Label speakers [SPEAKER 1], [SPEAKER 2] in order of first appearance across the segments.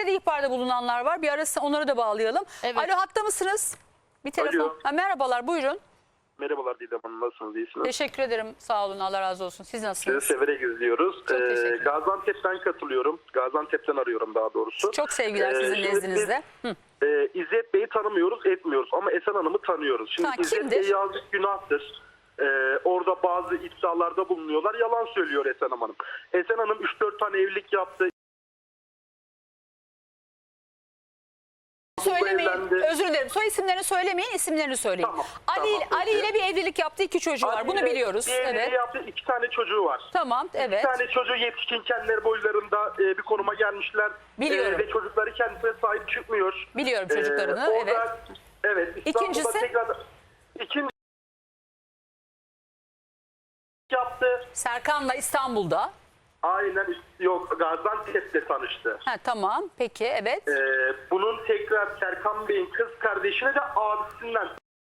[SPEAKER 1] Size de ihbarda bulunanlar var. Bir arası onları da bağlayalım.
[SPEAKER 2] Evet.
[SPEAKER 1] Alo, hatta mısınız? Bir telefon.
[SPEAKER 3] Alo.
[SPEAKER 1] Merhabalar, buyurun.
[SPEAKER 3] Merhabalar Didem Hanım, nasılsınız, iyisiniz?
[SPEAKER 1] Teşekkür ederim. Sağ olun, Allah razı olsun. Siz
[SPEAKER 3] Sizi
[SPEAKER 1] nasılsınız?
[SPEAKER 3] severek izliyoruz.
[SPEAKER 1] Çok teşekkür ederim.
[SPEAKER 3] Gaziantep'ten katılıyorum. Gaziantep'ten arıyorum daha doğrusu.
[SPEAKER 1] Çok sevgiler sizin
[SPEAKER 3] şimdi
[SPEAKER 1] nezdinizde.
[SPEAKER 3] biz, İzzet Bey'i tanımıyoruz, etmiyoruz ama Esen Hanım'ı tanıyoruz. Şimdi
[SPEAKER 1] Ha,
[SPEAKER 3] İzzet
[SPEAKER 1] kimdir?
[SPEAKER 3] Bey yazık günahtır. Orada bazı iddialarda bulunuyorlar. Yalan söylüyor Esen Hanım. Esen Hanım 3-4 tane evlilik yaptı.
[SPEAKER 1] Söylemeyin.
[SPEAKER 3] evlendi.
[SPEAKER 1] Özür dilerim. Soy isimlerini söylemeyin, isimlerini söyleyin.
[SPEAKER 3] Tamam,
[SPEAKER 1] Ali
[SPEAKER 3] tamam,
[SPEAKER 1] Ali ile bir evlilik yaptı, 2 çocuğu var. Bunu biliyoruz.
[SPEAKER 3] Bir evliliği
[SPEAKER 1] Evet.
[SPEAKER 3] yaptı, 2 tane çocuğu var.
[SPEAKER 1] Tamam, evet.
[SPEAKER 3] 2 tane çocuğu yetişkin, kendileri boylarında bir konuma gelmişler.
[SPEAKER 1] Biliyorum.
[SPEAKER 3] Ve çocukları kendisine sahip çıkmıyor.
[SPEAKER 1] Biliyorum çocuklarını.
[SPEAKER 3] Orada,
[SPEAKER 1] Evet.
[SPEAKER 3] Evet. İstanbul'da
[SPEAKER 1] İkincisi?
[SPEAKER 3] tekrar ikinci yaptı.
[SPEAKER 1] Serkan'la İstanbul'da.
[SPEAKER 3] Aynen, yok, Gaziantep'te tanıştı.
[SPEAKER 1] Ha, tamam. Peki, evet.
[SPEAKER 3] Bunun tekrar Serkan Bey'in kız kardeşine de abisinden.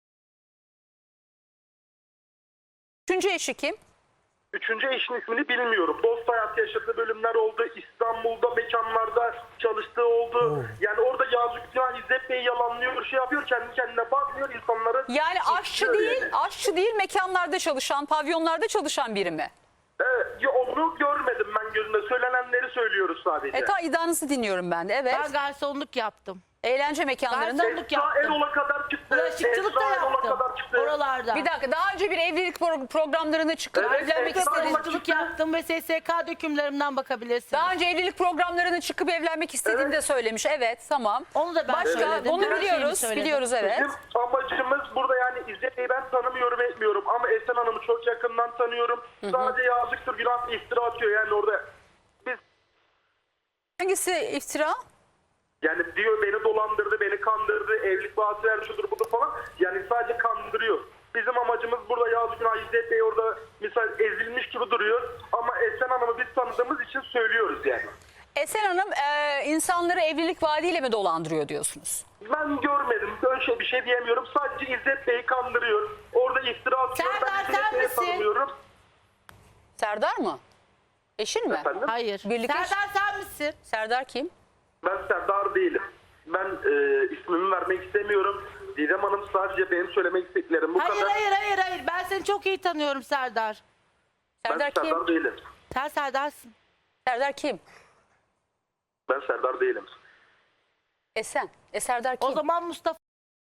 [SPEAKER 1] 3. eşi kim?
[SPEAKER 3] Üçüncü eşin ismini bilmiyorum. Dost hayatı yaşadığı bölümler oldu. İstanbul'da mekanlarda çalıştığı oldu. Yani orada yazık günah, İzzet Bey yalanlıyor, şey yapıyor, kendi kendine bakmıyor insanları.
[SPEAKER 1] Yani aşçı değil, mekanlarda çalışan, pavyonlarda çalışan biri mi?
[SPEAKER 3] Onu görmedim ben gözümde. Söylenenleri söylüyoruz sadece.
[SPEAKER 1] İddianızı dinliyorum ben de. Evet.
[SPEAKER 2] Ben garsonluk yaptım.
[SPEAKER 1] Eğlence mekanlarında.
[SPEAKER 2] Garsonluk
[SPEAKER 3] Esra
[SPEAKER 2] yaptım.
[SPEAKER 3] Erol'a kadar çıktı.
[SPEAKER 2] Bulaşıkçılık da
[SPEAKER 3] Esra Erol'a
[SPEAKER 2] yaptım.
[SPEAKER 3] kadar çıktı.
[SPEAKER 2] Oralarda.
[SPEAKER 1] Bir dakika, daha önce bir evlilik programlarına çıkıp
[SPEAKER 3] Evet,
[SPEAKER 1] evlenmek
[SPEAKER 3] evet,
[SPEAKER 1] istediğiniz...
[SPEAKER 2] Bulaşıkçılık yaptım ve SSK dökümlerimden bakabilirsiniz.
[SPEAKER 1] Daha önce evlilik programlarına çıkıp evlenmek istediğini de söylemiş. Evet, tamam.
[SPEAKER 2] Onu da ben
[SPEAKER 1] Başka,
[SPEAKER 2] söyledim.
[SPEAKER 1] bunu
[SPEAKER 2] Her şeyimi
[SPEAKER 1] biliyoruz.
[SPEAKER 2] söyledim.
[SPEAKER 1] Biliyoruz, evet.
[SPEAKER 3] Bizim amacımız burada, yani İzzet Bey'i ben tanımıyorum, etmiyorum ama Esen Hanım'ı çok yakından tanıyorum. Sadece yazıktır günah, iftira atıyor yani orada. Biz
[SPEAKER 1] Hangisi iftira?
[SPEAKER 3] yani diyor beni dolandırdı, beni kandırdı, evlilik vaatı ver, şudur budur falan. Yani sadece kandırıyor. Bizim amacımız burada yazık günah, İzzet Bey orada misal ezilmiş gibi duruyor. Ama Esen Hanım'ı biz tanıdığımız için söylüyoruz yani.
[SPEAKER 1] Esen Hanım insanları evlilik vaadiyle mi dolandırıyor diyorsunuz?
[SPEAKER 3] Ben görmedim. Böyle bir şey diyemiyorum. Sadece İzzet Bey'i kandırıyor. Orada iftira atıyor.
[SPEAKER 2] Serdar,
[SPEAKER 3] Ben İzzet
[SPEAKER 2] sen
[SPEAKER 3] Bey'i
[SPEAKER 2] misin?
[SPEAKER 3] tanımıyorum.
[SPEAKER 1] Serdar mı? Eşin mi?
[SPEAKER 3] Efendim?
[SPEAKER 2] Hayır.
[SPEAKER 1] Birlikte-
[SPEAKER 2] Serdar sen misin?
[SPEAKER 1] Serdar kim?
[SPEAKER 3] Ben Serdar değilim. Ben ismimi vermek istemiyorum. Didem Hanım, sadece benim söylemek istediklerim bu
[SPEAKER 2] Hayır
[SPEAKER 3] kadar.
[SPEAKER 2] hayır. Ben seni çok iyi tanıyorum Serdar.
[SPEAKER 1] Serdar
[SPEAKER 3] Ben
[SPEAKER 1] kim?
[SPEAKER 3] Serdar değilim.
[SPEAKER 2] Sen Serdar'sın.
[SPEAKER 1] Serdar kim?
[SPEAKER 3] Ben Serdar değilim.
[SPEAKER 1] Esen. Serdar kim?
[SPEAKER 2] O zaman Mustafa.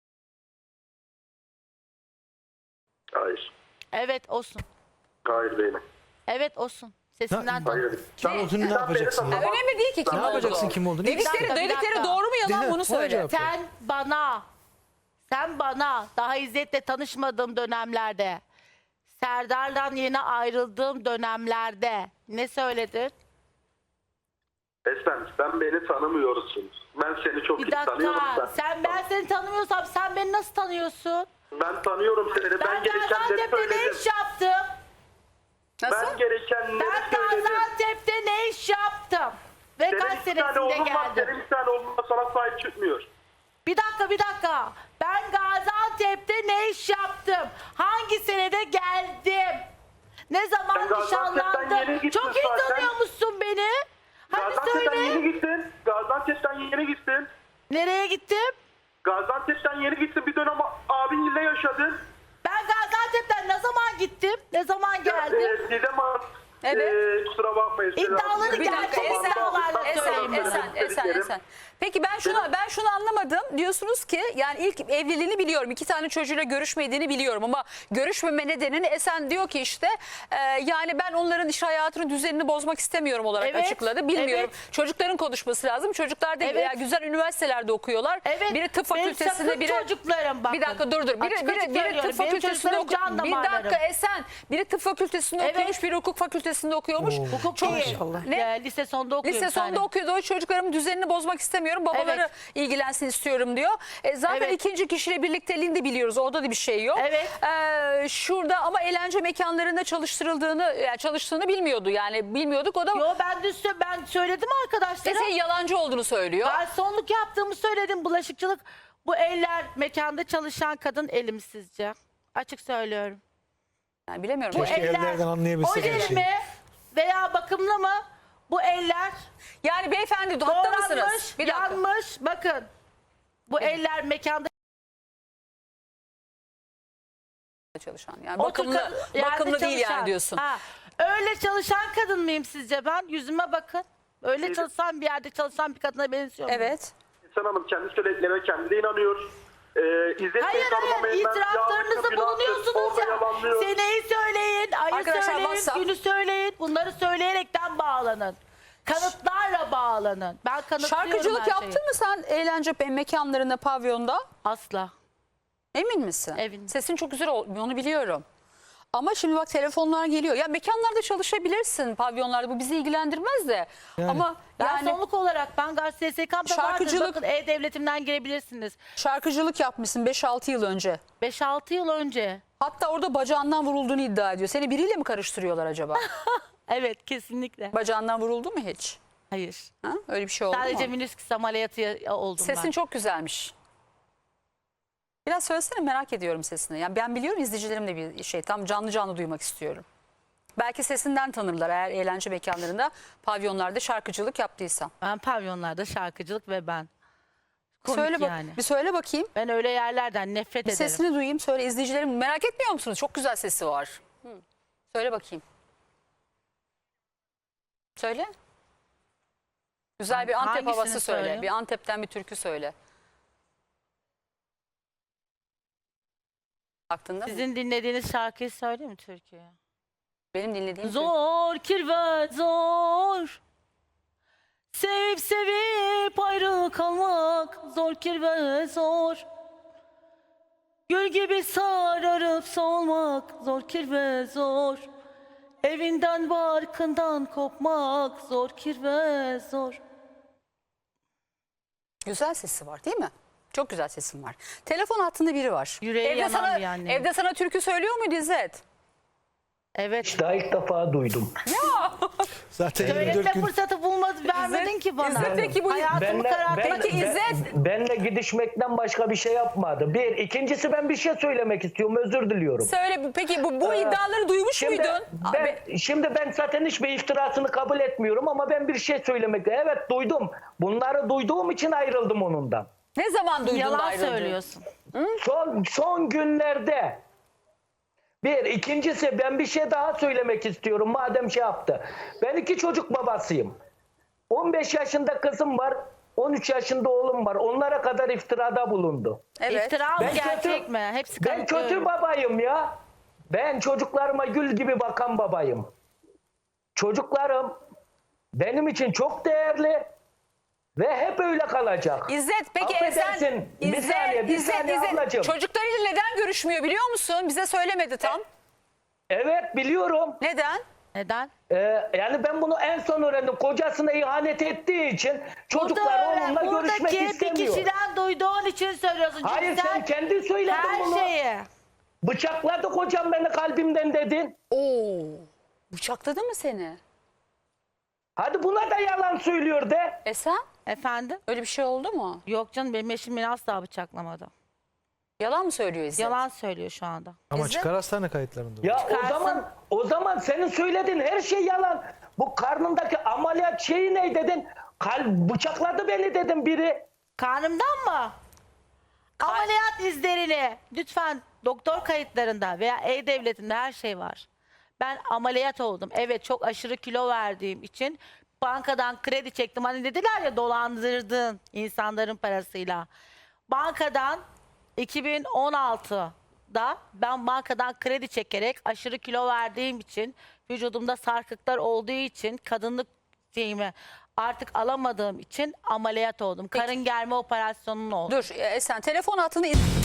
[SPEAKER 3] Hayır.
[SPEAKER 2] Evet olsun.
[SPEAKER 3] Hayır değilim.
[SPEAKER 2] Evet olsun. Sesinden tanıdım.
[SPEAKER 3] Hayır.
[SPEAKER 4] Sen olduğunu ne yapacaksın ya?
[SPEAKER 1] Önemli değil ki kim
[SPEAKER 4] Ne
[SPEAKER 1] olduğu.
[SPEAKER 4] yapacaksın kim olduğunu?
[SPEAKER 1] Dedikleri,
[SPEAKER 2] Bir dakika.
[SPEAKER 1] doğru mu yalan
[SPEAKER 4] Dinle,
[SPEAKER 1] bunu
[SPEAKER 4] ona
[SPEAKER 1] söyle.
[SPEAKER 4] cevap ver.
[SPEAKER 2] Sen bana daha İzzet'le tanışmadığım dönemlerde, Serdar'dan yeni ayrıldığım dönemlerde ne söyledin?
[SPEAKER 3] Esen, sen beni tanımıyorsun. Ben seni çok
[SPEAKER 2] Bir
[SPEAKER 3] iyi tanıyorum.
[SPEAKER 2] dakika. Ben seni tanımıyorsam sen beni nasıl tanıyorsun?
[SPEAKER 3] Ben tanıyorum seni. Ben
[SPEAKER 2] Ben
[SPEAKER 3] gerekenleri
[SPEAKER 2] Gaziantep'te ne
[SPEAKER 3] söyledim.
[SPEAKER 2] iş yaptım?
[SPEAKER 1] Nasıl?
[SPEAKER 3] Ben gerekenleri
[SPEAKER 2] Ben
[SPEAKER 3] söyledim.
[SPEAKER 2] Gaziantep'te ne iş yaptım? Ve
[SPEAKER 3] Senin
[SPEAKER 2] kaç
[SPEAKER 3] 2 tane
[SPEAKER 2] senesinde
[SPEAKER 3] oğlun var.
[SPEAKER 2] geldim?
[SPEAKER 3] Senin 2 tane oğlun var, sana sahip çıkmıyor.
[SPEAKER 2] Bir dakika. Ben Gaziantep'te ne iş yaptım? Hangi senede geldim? Ne zaman
[SPEAKER 3] Sen Gaziantep'ten yeni
[SPEAKER 2] nişanlandım?
[SPEAKER 3] gittin
[SPEAKER 2] Çok iyi
[SPEAKER 3] zaten.
[SPEAKER 2] tanıyormuşsun beni. Hadi
[SPEAKER 3] Gaziantep'ten
[SPEAKER 2] söyle.
[SPEAKER 3] yeni gittin. Gaziantep'ten yeni gittin.
[SPEAKER 2] Nereye gittim?
[SPEAKER 3] Gaziantep'ten yeni gittin. Bir dönem abinle yaşadın.
[SPEAKER 2] Ben Gaziantep'ten ne zaman gittim? Ne zaman geldim?
[SPEAKER 3] Didem Hanım.
[SPEAKER 1] Evet.
[SPEAKER 3] Kusura bakmayın.
[SPEAKER 2] İddiaları
[SPEAKER 1] Bir dakika,
[SPEAKER 2] gerçek iddialarla
[SPEAKER 1] Esen. Peki ben şunu anlamadım. Diyorsunuz ki yani ilk evliliğini biliyorum. 2 tane çocuğuyla görüşmediğini biliyorum ama görüşmeme nedenini Esen diyor ki işte yani ben onların iş hayatının düzenini bozmak istemiyorum olarak
[SPEAKER 2] Evet,
[SPEAKER 1] açıkladı. Bilmiyorum.
[SPEAKER 2] evet.
[SPEAKER 1] Çocukların konuşması lazım. Çocuklar da
[SPEAKER 2] Evet.
[SPEAKER 1] güzel üniversitelerde okuyorlar.
[SPEAKER 2] Evet.
[SPEAKER 1] Biri tıp
[SPEAKER 2] Benim
[SPEAKER 1] fakültesinde,
[SPEAKER 2] sakın
[SPEAKER 1] biri
[SPEAKER 2] çocuklarım bakın.
[SPEAKER 1] Bir dakika dur.
[SPEAKER 2] Açık açık
[SPEAKER 1] Biri
[SPEAKER 2] söylüyorum.
[SPEAKER 1] tıp
[SPEAKER 2] Benim
[SPEAKER 1] fakültesinde
[SPEAKER 2] çocuklarım
[SPEAKER 1] okuyor.
[SPEAKER 2] can
[SPEAKER 1] Bir dakika
[SPEAKER 2] damarlarım.
[SPEAKER 1] Esen. Biri tıp fakültesinde
[SPEAKER 2] Evet.
[SPEAKER 1] okuyormuş, biri hukuk fakültesinde okuyormuş.
[SPEAKER 2] Hukuk
[SPEAKER 1] Çok
[SPEAKER 2] değil.
[SPEAKER 1] Ne?
[SPEAKER 2] Lise sonunda okuyorum.
[SPEAKER 1] Lise sonunda okuyordu. O çocuklarımın düzenini bozmak istemiyorum. Babaları
[SPEAKER 2] Evet.
[SPEAKER 1] ilgilensin istiyorum diyor. Zaten
[SPEAKER 2] Evet.
[SPEAKER 1] ikinci kişiyle birlikteliğini de biliyoruz. Orada da bir şey yok.
[SPEAKER 2] Evet.
[SPEAKER 1] Şurada ama eğlence mekanlarında çalıştığını bilmiyordu. Yani bilmiyorduk. O da
[SPEAKER 2] Yo ben söyledim arkadaşlara.
[SPEAKER 1] senin yalancı olduğunu söylüyor.
[SPEAKER 2] Garsonluk yaptığımı söyledim. Bulaşıkçılık. Bu eller mekanda çalışan kadın elim sizce? Açık söylüyorum.
[SPEAKER 1] Yani bilemiyorum.
[SPEAKER 2] Bu
[SPEAKER 4] Keşke
[SPEAKER 2] eller
[SPEAKER 4] ellerden anlayabilsek her
[SPEAKER 2] oje
[SPEAKER 4] şeyi.
[SPEAKER 2] mi veya bakımlı mı? Bu eller
[SPEAKER 1] Yani beyefendi hatta mısınız?
[SPEAKER 2] doğranmış,
[SPEAKER 1] Bir dakika.
[SPEAKER 2] yanmış. Bakın. Bu eller mekanda
[SPEAKER 1] Çalışan. Yani
[SPEAKER 2] otur
[SPEAKER 1] bakımlı,
[SPEAKER 2] yerde
[SPEAKER 1] bakımlı değil
[SPEAKER 2] çalışan.
[SPEAKER 1] yani diyorsun.
[SPEAKER 2] Ha, öyle çalışan kadın mıyım sizce ben? Yüzüme bakın. Öyle çalışan bir yerde çalışan bir kadına benziyor muyum?
[SPEAKER 1] Evet.
[SPEAKER 3] İhsan Hanım kendi söylediklerine kendi de inanıyor. İzzet Bey
[SPEAKER 2] Hayır
[SPEAKER 3] tanımamayın.
[SPEAKER 2] itiraflarınızı bulunuyorsunuz ya. Seneyi söyleyin, ayı
[SPEAKER 1] Arkadaşlar,
[SPEAKER 2] söyleyin,
[SPEAKER 1] WhatsApp.
[SPEAKER 2] günü söyleyin. Bunları söyleyerekten bağlanın. Kanıtlarla bağlanın. Ben kanıtlıyorum
[SPEAKER 1] Şarkıcılık
[SPEAKER 2] her şeyi.
[SPEAKER 1] yaptın mı sen eğlence mekanlarında, pavyonda?
[SPEAKER 2] Asla.
[SPEAKER 1] Emin misin?
[SPEAKER 2] Eminim.
[SPEAKER 1] Sesin çok güzel olmuyor, onu biliyorum. Ama şimdi bak telefonlar geliyor. Ya mekanlarda çalışabilirsin, pavyonlarda, bu bizi ilgilendirmez de. Ama
[SPEAKER 2] Ben
[SPEAKER 1] yani
[SPEAKER 2] sonluk olarak ben SSK'mda vardır.
[SPEAKER 1] Şarkıcılık-
[SPEAKER 2] Bakın E-Devletim'den girebilirsiniz.
[SPEAKER 1] şarkıcılık yapmışsın 5-6 yıl önce.
[SPEAKER 2] 5-6 yıl önce.
[SPEAKER 1] Hatta orada bacağından vurulduğunu iddia ediyor. Seni biriyle mi karıştırıyorlar acaba?
[SPEAKER 2] Evet kesinlikle.
[SPEAKER 1] Bacağından vuruldu mu hiç?
[SPEAKER 2] Hayır.
[SPEAKER 1] Ha? Öyle bir şey oldu
[SPEAKER 2] Sadece
[SPEAKER 1] mu?
[SPEAKER 2] menisküs ameliyatı oldum
[SPEAKER 1] Sesin
[SPEAKER 2] ben.
[SPEAKER 1] çok güzelmiş. Biraz söylesene, merak ediyorum sesini. Yani ben biliyorum, izleyicilerim de bir şey tam canlı canlı duymak istiyorum. Belki sesinden tanırlar eğer eğlence mekanlarında, pavyonlarda şarkıcılık yaptıysan.
[SPEAKER 2] Ben pavyonlarda şarkıcılık ve ben. Komik
[SPEAKER 1] Söyle bak,
[SPEAKER 2] yani.
[SPEAKER 1] bir söyle bakayım.
[SPEAKER 2] Ben öyle yerlerden nefret
[SPEAKER 1] Bir
[SPEAKER 2] ederim.
[SPEAKER 1] sesini duyayım, söyle, izleyicilerim merak etmiyor musunuz? Çok güzel sesi var. Söyle bakayım. Söyle. Güzel bir Antep
[SPEAKER 2] Hangisini
[SPEAKER 1] havası söyle.
[SPEAKER 2] söyleyeyim?
[SPEAKER 1] Bir Antep'ten bir türkü söyle. Aklında mı?
[SPEAKER 2] Sizin dinlediğiniz şarkıyı söyleyeyim mi Türkiye?
[SPEAKER 1] Benim dinlediğim türkü.
[SPEAKER 2] Zor kirvet zor. Sevip sevip ayrı kalmak zor kirvet zor. Gül gibi sararıp solmak zor kirvet zor. Evinden barkından kopmak zor kirvet zor.
[SPEAKER 1] Güzel sesi var değil mi? Çok güzel sesin var. Telefon hattında biri var.
[SPEAKER 2] Yüreği yanan bir anne.
[SPEAKER 1] Evde sana türkü söylüyor muydu İzzet?
[SPEAKER 2] Evet.
[SPEAKER 4] Daha ilk defa duydum.
[SPEAKER 5] Zaten 24
[SPEAKER 2] Söyleme
[SPEAKER 5] gün
[SPEAKER 2] fırsatı vermedin ki bana.
[SPEAKER 1] İzzet peki bu
[SPEAKER 2] Hayatımı karartmak
[SPEAKER 1] Peki İzzet-
[SPEAKER 4] benle gidişmekten başka bir şey yapmadı. Bir. İkincisi ben bir şey söylemek istiyorum. Özür diliyorum.
[SPEAKER 1] söyle peki bu iddiaları duymuş
[SPEAKER 4] Şimdi
[SPEAKER 1] muydun?
[SPEAKER 4] ben zaten hiçbir iftirasını kabul etmiyorum ama ben bir şey söylemek. Evet duydum. Bunları duyduğum için ayrıldım onundan.
[SPEAKER 1] Ne zaman duydun da
[SPEAKER 2] Yalan
[SPEAKER 1] ayrıldın?
[SPEAKER 2] söylüyorsun.
[SPEAKER 4] Son günlerde. Bir. İkincisi ben bir şey daha söylemek istiyorum madem şey yaptı. Ben 2 çocuk babasıyım. 15 yaşında kızım var. 13 yaşında oğlum var. Onlara kadar iftirada bulundu.
[SPEAKER 1] Evet.
[SPEAKER 2] İftira mı
[SPEAKER 4] Ben
[SPEAKER 2] gerçek
[SPEAKER 4] kötü-
[SPEAKER 2] mi? Hepsi
[SPEAKER 4] Ben kötü
[SPEAKER 2] kanıtlıyorum.
[SPEAKER 4] babayım ya. Ben çocuklarıma gül gibi bakan babayım. Çocuklarım benim için çok değerli ve hep öyle kalacak.
[SPEAKER 1] İzzet peki
[SPEAKER 4] Affedersin, bir saniye ablacığım.
[SPEAKER 1] Çocuklarıyla neden görüşmüyor biliyor musun? Bize söylemedi tam.
[SPEAKER 4] Evet biliyorum.
[SPEAKER 1] Neden?
[SPEAKER 2] Neden?
[SPEAKER 4] Yani ben bunu en son öğrendim. Kocasına ihanet ettiği için çocuklar onunla görüşmek
[SPEAKER 2] buradaki bir
[SPEAKER 4] istemiyor.
[SPEAKER 2] kişiden duyduğun için söylüyorsun. Çünkü
[SPEAKER 4] Hayır sen kendi söyledin
[SPEAKER 2] her
[SPEAKER 4] bunu.
[SPEAKER 2] şeyi.
[SPEAKER 4] Bıçakladı kocam beni kalbimden dedin.
[SPEAKER 1] Oo. Bıçakladı mı seni?
[SPEAKER 4] Hadi buna da yalan söylüyor de.
[SPEAKER 1] Sen?
[SPEAKER 2] Efendim?
[SPEAKER 1] Öyle bir şey oldu mu?
[SPEAKER 2] Yok canım benim eşim beni asla bıçaklamadı.
[SPEAKER 1] Yalan mı söylüyor İzzet?
[SPEAKER 2] Yalan söylüyor şu anda.
[SPEAKER 5] ama
[SPEAKER 1] İzzet-
[SPEAKER 5] çıkar hastane kayıtlarında.
[SPEAKER 4] Ya
[SPEAKER 2] Çıkarsın.
[SPEAKER 4] o zaman senin söylediğin her şey yalan. Bu karnındaki ameliyat şeyi ne dedin? Bıçakladı beni dedim biri.
[SPEAKER 2] Karnımdan mı? Ameliyat izlerini lütfen doktor kayıtlarında veya E-Devleti'nde her şey var. Ben ameliyat oldum. Evet çok aşırı kilo verdiğim için bankadan kredi çektim. Hani dediler ya dolandırdın insanların parasıyla. Bankadan 2016'da ben bankadan kredi çekerek aşırı kilo verdiğim için vücudumda sarkıklar olduğu için kadınlık şeyimi artık alamadığım için ameliyat oldum. Karın germe operasyonun oldu.
[SPEAKER 1] Dur Esen telefon hattını